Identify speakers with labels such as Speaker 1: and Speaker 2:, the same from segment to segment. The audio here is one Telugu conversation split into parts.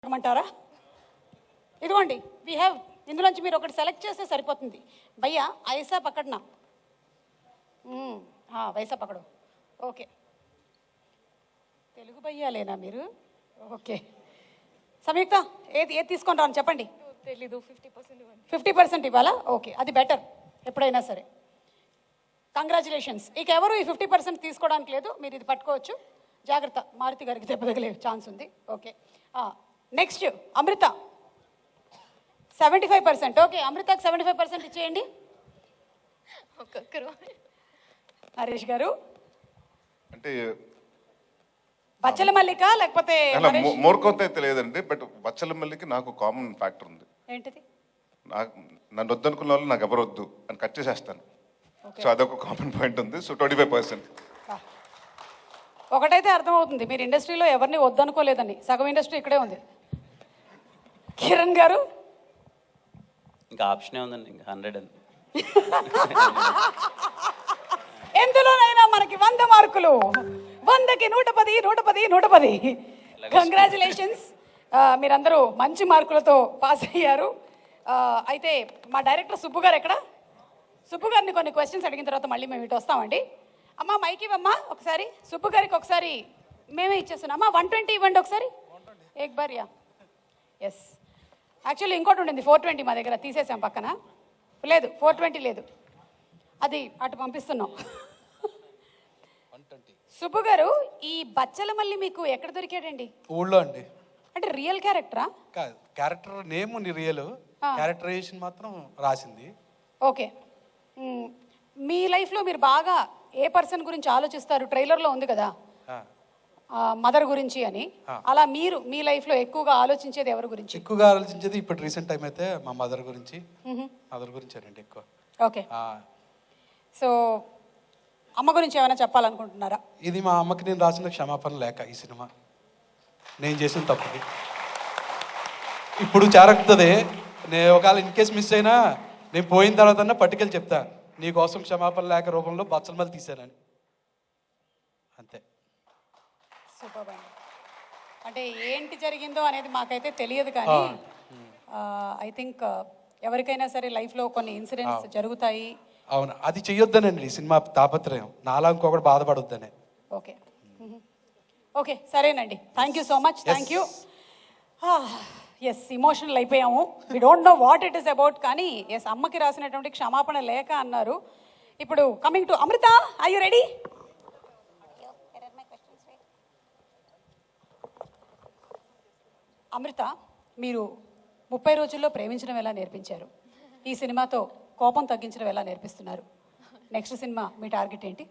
Speaker 1: అడగమంటారా? ఇదిగోండి వీ హ్యావ్ ఇందులోంచి మీరు ఒకటి సెలెక్ట్ చేస్తే సరిపోతుంది. భయ్యా ఐసా పక్కడనా వైసా పక్కడు. ఓకే, తెలుగు భయ్యాలేనా మీరు? ఓకే సంయుక్త, ఏది ఏది తీసుకొని రాను చెప్పండి.
Speaker 2: తెలీదు. 50%
Speaker 1: 50% ఇవ్వాలా? ఓకే, అది బెటర్ ఎప్పుడైనా సరే. కంగ్రాచులేషన్స్. ఇక ఎవరు ఈ 50% తీసుకోవడానికి లేదు, మీరు ఇది పట్టుకోవచ్చు. జాగ్రత్త, మారుతి గారికి దెబ్బ తగిలే ఛాన్స్ ఉంది. Okay, next Amrita 75%. ఓకే, అమృతకి 75% ఇచ్చేయండి.
Speaker 2: ఒక్కొక్కరు.
Speaker 1: నరేష్ గారు
Speaker 3: అంటే
Speaker 1: బచ్చల మల్లిక లేకపోతే
Speaker 3: మోర్కొంత అయితే లేదండి, బట్ బచ్చల మల్లికి నాకు కామన్ ఫ్యాక్టర్ ఉంది.
Speaker 1: ఏంటిది?
Speaker 3: నాకు నన్ను వద్దనుకున్న వాళ్ళు నాకు ఎవరు వద్దు అని కట్ చేసేస్తాను. సో అదొక కామన్ పాయింట్ ఉంది. సో 25%.
Speaker 1: ఒకటైతే అర్థమవుతుంది, మీరు ఇండస్ట్రీలో ఎవరిని వద్దనుకోలేదని. సగం ఇండస్ట్రీ ఇక్కడే ఉంది. కిరణ్ గారు
Speaker 4: ఇంకా ఆప్షనే ఉందండి, ఇంకా 100 అని.
Speaker 1: ఎందులోనైనా మనకి 100 మార్కులు, 100కి 110, 110, 110. కంగ్రాచులేషన్స్, మీరందరూ మంచి మార్కులతో పాస్ అయ్యారు. అయితే మా డైరెక్టర్ సుబ్బు గారు ఎక్కడ? సుబ్బు గారిని కొన్ని క్వశ్చన్స్ అడిగిన తర్వాత మళ్ళీ మేము ఇటు వస్తామండి. అమ్మ మైక్ ఇవ్వమ్మా ఒకసారి. సుబ్బు గారికి ఒకసారి మేమే ఇచ్చేస్తున్నాం. అమ్మా 120 ఇవ్వండి ఒకసారి. ఏక్ బార్ యా. ఎస్, యాక్చువల్లీ ఇంకోటి ఉండింది 420 మా దగ్గర, తీసేసాం పక్కన. లేదు 420 లేదు, అది అటు పంపిస్తున్నాం. సుబ్బు గారు, ఈ బచ్చల మల్లి మీకు ఎక్కడ దొరికాడండి?
Speaker 5: ఊళ్ళో అండి.
Speaker 1: అంటే రియల్ క్యారెక్టరా?
Speaker 5: కాదు, క్యారెక్టర్ నేమ్ రియల్, క్యారెక్టరైజేషన్ మాత్రం రాసింది.
Speaker 1: ఓకే, మీ లైఫ్లో మీరు బాగా ఏ పర్సన్ గురించి ఆలోచిస్తారు? ట్రైలర్లో ఉంది కదా మదర్ గురించి అని. అలా మీరు మీ లైఫ్లో ఎక్కువగా ఆలోచించేది ఎవరి గురించి?
Speaker 5: ఎక్కువగా ఆలోచించేది ఇప్పుడు రీసెంట్ టైం అయితే మా మదర్ గురించి. మదర్ గురించి అండి ఎక్కువ.
Speaker 1: ఓకే, సో అమ్మ గురించి ఏమైనా చెప్పాలనుకుంటున్నారా?
Speaker 5: ఇది మా అమ్మకి నేను రాసిన క్షమాపణ లేక, ఈ సినిమా నేను చేసిన తప్పుకి ఇప్పుడు చేరకుతుంది. నేను ఒకవేళ ఇన్ కేసు మిస్ అయినా నేను పోయిన తర్వాత పట్టుకెళ్ళి చెప్తా, నీకోసం క్షమాపణ లేక రూపంలో బచ్చల మల్లి తీశానని. అంతే.
Speaker 1: సూపర్ అండి. అంటే ఏంటి జరిగిందో అనేది మాకైతే తెలియదు, కానీ ఐ థింక్ ఎవరికైనా సరే లైఫ్లో కొన్ని ఇన్సిడెంట్స్ జరుగుతాయి.
Speaker 5: అవును, అది చెయ్యొద్దనండి ఈ సినిమా తాపత్రయం, నాలా ఇంకొకటి బాధపడొద్దనే.
Speaker 1: ఓకే ఓకే, సరేనండి. Thank you so much. Thank you. Yes, emotional అయిపోయాము. We don't know what it is about, కానీ ఎస్, అమ్మకి రాసినటువంటి క్షమాపణ లేక అన్నారు. ఇప్పుడు coming to Amrita, are you ready? Amrita, మీరు 30 రోజుల్లో ప్రేమించడం ఎలా నేర్పించారు, ఈ సినిమాతో కోపం తగ్గించడం ఎలా నేర్పిస్తున్నారు? నెక్స్ట్ సినిమా మీ టార్గెట్ ఏంటి?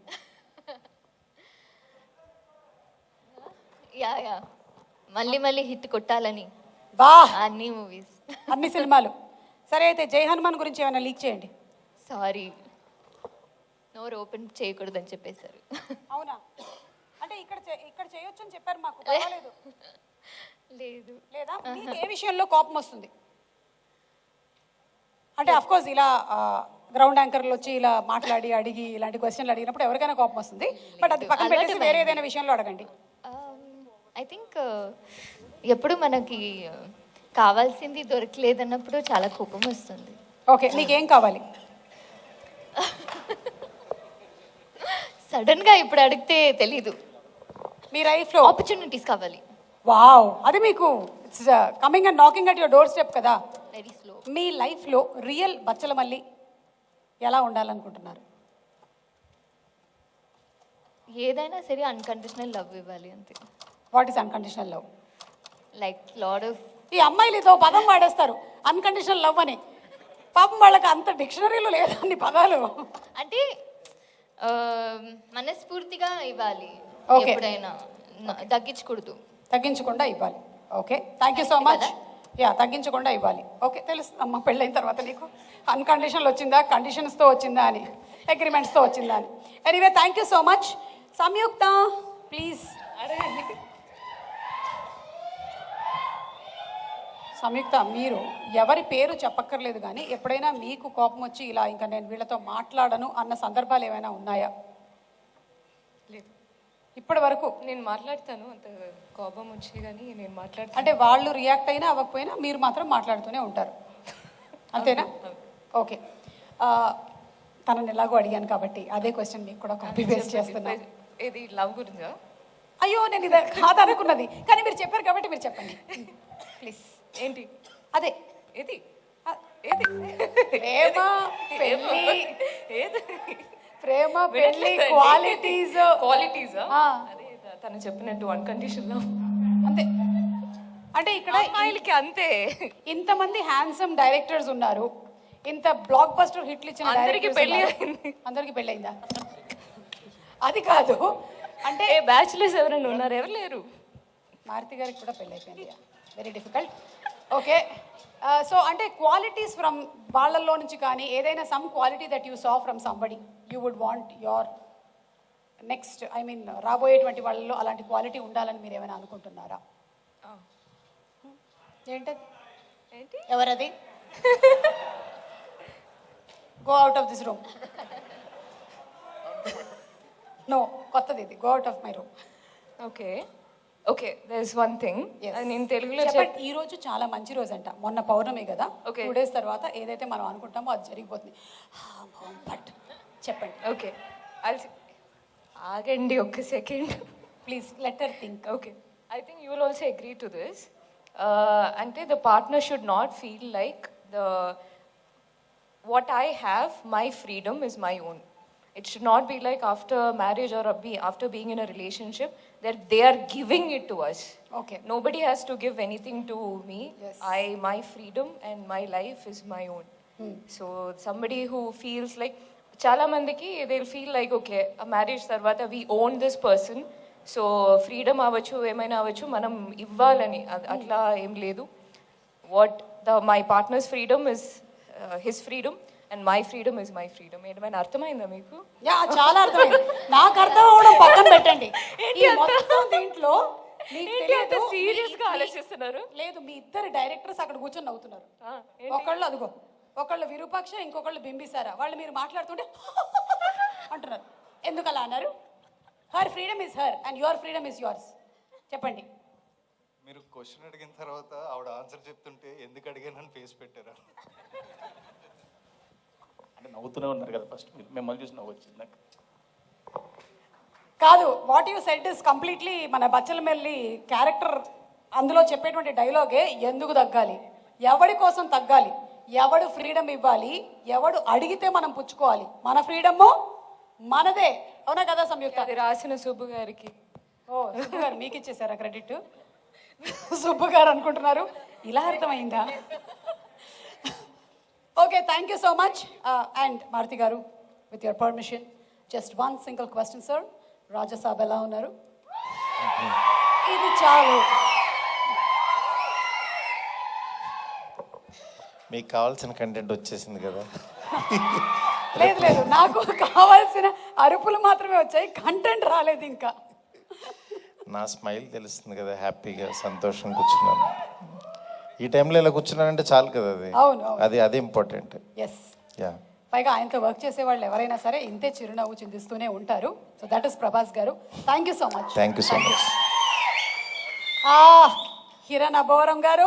Speaker 2: యా యా మళ్ళీ మళ్ళీ హిట్ కొట్టాలని
Speaker 1: బా
Speaker 2: అన్ని మూవీస్,
Speaker 1: అన్ని సినిమాలు. సరే, అయితే జై హనుమాన్ గురించి ఏమైనా లీక్ చేయండి.
Speaker 2: సారీ, నోరు ఓపెన్ చేయకూడదని చెప్పేశారు.
Speaker 1: అవునా? అంటే ఇక్కడ చేయొచ్చు అని చెప్పారు మాకు. పర్వాలేదు.
Speaker 2: లేదు.
Speaker 1: లేదా మీకు ఏ విషయంలో కోపం వస్తుంది? అంటే అఫ్ కోర్స్ ఇలా గ్రౌండ్ యాంకర్లు వచ్చి ఇలా మాట్లాడి అడిగి ఇలాంటి క్వశ్చన్లు అడిగినప్పుడు ఎవరికైనా కోపం వస్తుంది. బట్ అది పక్కన పెట్టేసి వేరే ఏదైనా విషయంలో అడగండి.
Speaker 2: ఐ థింక్ ఎప్పుడు మనకి కావాల్సింది దొరకలేదన్నప్పుడు చాలా కోపం వస్తుంది.
Speaker 1: ఓకే, నీకేం కావాలి?
Speaker 2: సడన్ గా ఇప్పుడు అడిగితే తెలీదు.
Speaker 1: మీ లైఫ్లో
Speaker 2: ఆపర్చునిటీస్ కావాలి.
Speaker 1: వావ్, అది మీకు coming and knocking at your doorstep కదా.
Speaker 2: Very slow.
Speaker 1: మీ లైఫ్లో రియల్ బచ్చల మల్లి ఎలా ఉండాలనుకుంటున్నారు?
Speaker 2: ఏదైనా సరే అన్కండిషనల్ లవ్ ఇవ్వాలి అంతే.
Speaker 1: What is unconditional love?
Speaker 2: Like lot of
Speaker 1: ఈ అమ్మాయిలు ఇదో పదం వాడేస్తారు, అన్కండిషనల్ లవ్ అని. పాపం వాళ్ళకి అంత డిక్షనరీలో లేదండి పదాలు.
Speaker 2: అంటే మనస్ఫూర్తిగా ఇవ్వాలి,
Speaker 1: Okay.
Speaker 2: ఎప్పుడైనా తగ్గించకూడదు,
Speaker 1: తగ్గించకుండా ఇవ్వాలి. Okay, thank you so much. Yeah, తగ్గించకుండా ఇవ్వాలి. ఓకే, తెలుస్తుంది అమ్మ పెళ్ళైన తర్వాత నీకు అన్కండిషనల్ వచ్చిందా, కండిషన్స్తో వచ్చిందా అని, అగ్రిమెంట్స్తో వచ్చిందా అని. Anyway, thank you so much. Samyuktha please. Samyuktha, మీరు ఎవరి పేరు చెప్పక్కర్లేదు, కానీ ఎప్పుడైనా మీకు కోపం వచ్చి ఇలా ఇంకా నేను వీళ్ళతో మాట్లాడను అన్న సందర్భాలు ఏమైనా ఉన్నాయా? లేదు. ఇప్పటి వరకు
Speaker 6: నేను మాట్లాడతాను, అంత కోపం వచ్చి కానీ నేను మాట్లాడతాను.
Speaker 1: అంటే వాళ్ళు రియాక్ట్ అయినా అవ్వకపోయినా మీరు మాత్రం మాట్లాడుతూనే ఉంటారు, అంతేనా? ఓకే, తనని ఎలాగో అడిగాను కాబట్టి అదే క్వశ్చన్ మీకు కూడా కాపీ పేస్ట్ చేస్తున్నా.
Speaker 6: ఇది లవ్ గురించా?
Speaker 1: అయ్యో నేను ఇది కాదు అనుకున్నది, కానీ మీరు చెప్పారు కాబట్టి మీరు చెప్పండి ప్లీజ్.
Speaker 6: ఏంటి
Speaker 1: అదే
Speaker 6: ఏది
Speaker 1: ఆ,
Speaker 6: ఏది
Speaker 1: ప్రేమ పెళ్ళి,
Speaker 6: ఏది
Speaker 1: ప్రేమ పెళ్ళి క్వాలిటీస్
Speaker 6: క్వాలిటీసా? అదే తను చెప్పినట్టు వన్ కండిషన్ లో
Speaker 1: అంతే. అంటే ఇక్కడ
Speaker 6: అమ్మాయిలకి అంతే.
Speaker 1: ఇంతమంది హ్యాండ్సమ్ డైరెక్టర్స్ ఉన్నారు, ఇంత బ్లాక్ బస్టర్ హిట్లు ఇచ్చిన
Speaker 6: అందరికీ
Speaker 1: directors
Speaker 6: పెళ్లి
Speaker 1: ఉన్నారు.
Speaker 6: అయింది.
Speaker 1: అందరికీ పెళ్ళి అయిందా? అది కాదు, అంటే
Speaker 6: బ్యాచులర్స్ ఎవరైనా ఉన్నారు? ఎవరు లేరు.
Speaker 1: మారుతి గారికి కూడా పెళ్ళి అయిపోయింది, వెరీ డిఫికల్ట్. ఓకే, సో అంటే క్వాలిటీస్ ఫ్రమ్ వాళ్ళల్లో నుంచి కానీ ఏదైనా some quality that you saw from somebody you would want your next, I mean రాబోయేటువంటి వాళ్ళలో అలాంటి క్వాలిటీ ఉండాలని మీరు ఏమైనా అనుకుంటున్నారా? ఏంటది?
Speaker 6: ఏంటి?
Speaker 1: ఎవరది? Go out of this room. No, కొత్తది ఇది, go out of my room.
Speaker 6: Okay okay, there is one thing నేను తెలుగులో
Speaker 1: చెప్పండి. ఈ రోజు చాలా మంచి రోజు అంట, మొన్న పౌర్ణమి కదా,
Speaker 6: Okay.
Speaker 1: 2 days తర్వాత ఏదైతే మనం అనుకుంటామో అది జరిగిపోతుంది. బట్ చెప్పండి
Speaker 6: ఓకే, ఆగండి ఒక్క second
Speaker 1: please, let her think.
Speaker 6: Okay, I think you will also agree to this. అంటే the partner should not feel like the what I have, my freedom is my own. It should not be like after marriage or after being in a relationship that they are giving it to us.
Speaker 1: Okay.
Speaker 6: Nobody has to give anything to me.
Speaker 1: Yes.
Speaker 6: My freedom and my life is my own. So somebody who feels like, chala mandiki they'll feel like okay, a marriage tarvata we own this person, so freedom avachu emaina avachu manam ivvalani atla em ledu. What my partner's freedom is his freedom and my freedom is my freedom. ఏమైనా అర్థమైందా మీకు?
Speaker 1: యా, చాలా అర్థమైంది. నాకు అర్థం అవడం పక్కన పెట్టండి, ఈ మొత్తం దీంట్లో మీకు తెలియదు.
Speaker 6: సీరియస్ గా ఆలోచిస్తున్నారు?
Speaker 1: లేదు, మీ ఇద్దరు డైరెక్టర్స్ అక్కడ కూర్చొని నవ్వుతున్నారు. ఒకళ్ళు అదిగో, ఒకళ్ళు విరూపాక్ష, ఇంకొకళ్ళు బింబిసారా. వాళ్ళు మీరు మాట్లాడుతుంటే అంటున్నారు. ఎందుకు అలా అన్నారు? Her freedom is her and your freedom is yours. చెప్పండి.
Speaker 7: మీరు క్వశ్చన్ అడిగిన తర్వాత ఆవిడ ఆన్సర్ చెప్తుంటే ఎందుకు అడిగానని ఫేస్ పెట్టారా?
Speaker 8: అంటే నవ్వుతూనే ఉన్నారు కదా, ఫస్ట్ మిమ్మల్ని చూసి నవ్వు వచ్చింది నాకు.
Speaker 1: కాదు, what you said is completely మన బచ్చలమెల్లి క్యారెక్టర్. అందులో చెప్పేటువంటి డైలాగే ఎందుకు తగ్గాలి, ఎవడి కోసం తగ్గాలి, ఎవడు ఫ్రీడమ్ ఇవ్వాలి, ఎవడు అడిగితే మనం పుచ్చుకోవాలి, మన ఫ్రీడమ్ మనదే. అవునా కదా సంయుక్త?
Speaker 6: అది రాసిన సుబ్బు గారికి.
Speaker 1: ఓ, సుబ్బు గారు మీకు ఇచ్చేసారా క్రెడిట్? సుబ్బు గారు అనుకుంటున్నారు, ఇలా అర్థమైందా? Okay, thank you so much. And Maruthi గారు, with your permission, just one single question sir. Rajasaab ఎలా ఉన్నారు? ఇది చాలు.
Speaker 9: మీకు కావాల్సిన కంటెంట్ వచ్చేసింది కదా?
Speaker 1: లేదు లేదు, నాకు కావాల్సిన అరుపులు మాత్రమే వచ్చాయి, కంటెంట్ రాలేదు ఇంకా.
Speaker 9: నా స్మైల్ తెలుస్తుంది కదా, హ్యాపీగా సంతోషం కూర్చున్నాను. ఈ టైంలో ఇలా కూర్చున్నానంటే చాలు కదా, అది
Speaker 1: అవును,
Speaker 9: అది ఇంపార్టెంట్.
Speaker 1: Yes,
Speaker 9: yeah.
Speaker 1: పైగా ఆయనతో వర్క్ చేసే వాళ్ళు ఎవరైనా సరే ఇంతే చిరునవ్వు చిందిస్తూనే ఉంటారు. సో దట్ ఇస్ ప్రభాస్ గారు. Thank you so much.
Speaker 9: Thank you so much.
Speaker 1: Kiran Abbavaram గారు,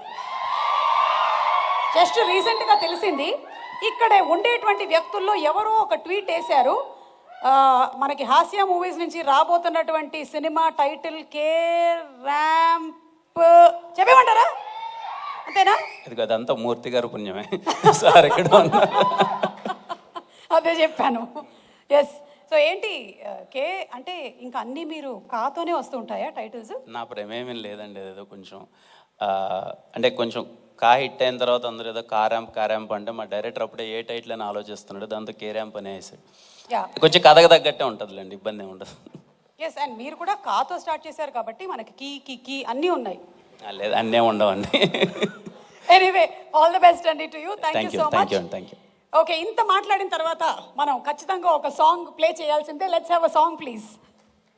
Speaker 1: జస్ట్ రీసెంట్గా తెలిసింది, ఇక్కడే ఉండేటువంటి వ్యక్తుల్లో ఎవరో ఒక ట్వీట్ వేశారు, మనకి హాస్య మూవీస్ నుంచి రాబోతున్నటువంటి సినిమా టైటిల్ కే ర్యాంప్ చెప్పేమంటారా? అంతేనా?
Speaker 4: ఇది అదంతా మూర్తి గారు పుణ్యమే. సార్ ఎక్కడ ఉన్నారు?
Speaker 1: అదే చెప్పాను. ఎస్. సో ఏంటి కే అంటే ఇంకా అన్నీ మీరు కాతోనే వస్తూ ఉంటాయా టైటిల్స్?
Speaker 4: నా ప్రేమేమీ లేదండి, ఏదో కొంచెం అంటే కొంచెం కా హిట్ అయిన తర్వాత అందరూ ఏదో కారాంప్ అంటే మా డైరెక్టర్ అప్పుడే ఏ టైటిల్ అని ఆలోచిస్తున్నాడు, దాంతో కే ర్యాంప్ అనే వేసాడు. కొంచెం కథకు తగ్గట్టే ఉంటుందిలేండి, ఇబ్బంది ఏమి ఉండదు.
Speaker 1: ఎస్, అండ్ మీరు కూడా కాతో స్టార్ట్ చేశారు కాబట్టి మనకి కీ అన్నీ ఉన్నాయి.
Speaker 4: లేదు, అన్నీ ఉండవండి.
Speaker 1: ఎనీవే, ఆల్ ది బెస్ట్ అండి to you. Thank you so much.
Speaker 4: Thank you.
Speaker 1: Okay, ఇంత మాట్లాడిన తర్వాత మనం ఖచ్చితంగా ఒక సాంగ్ ప్లే చేయాల్సిందే. Let's have a song please.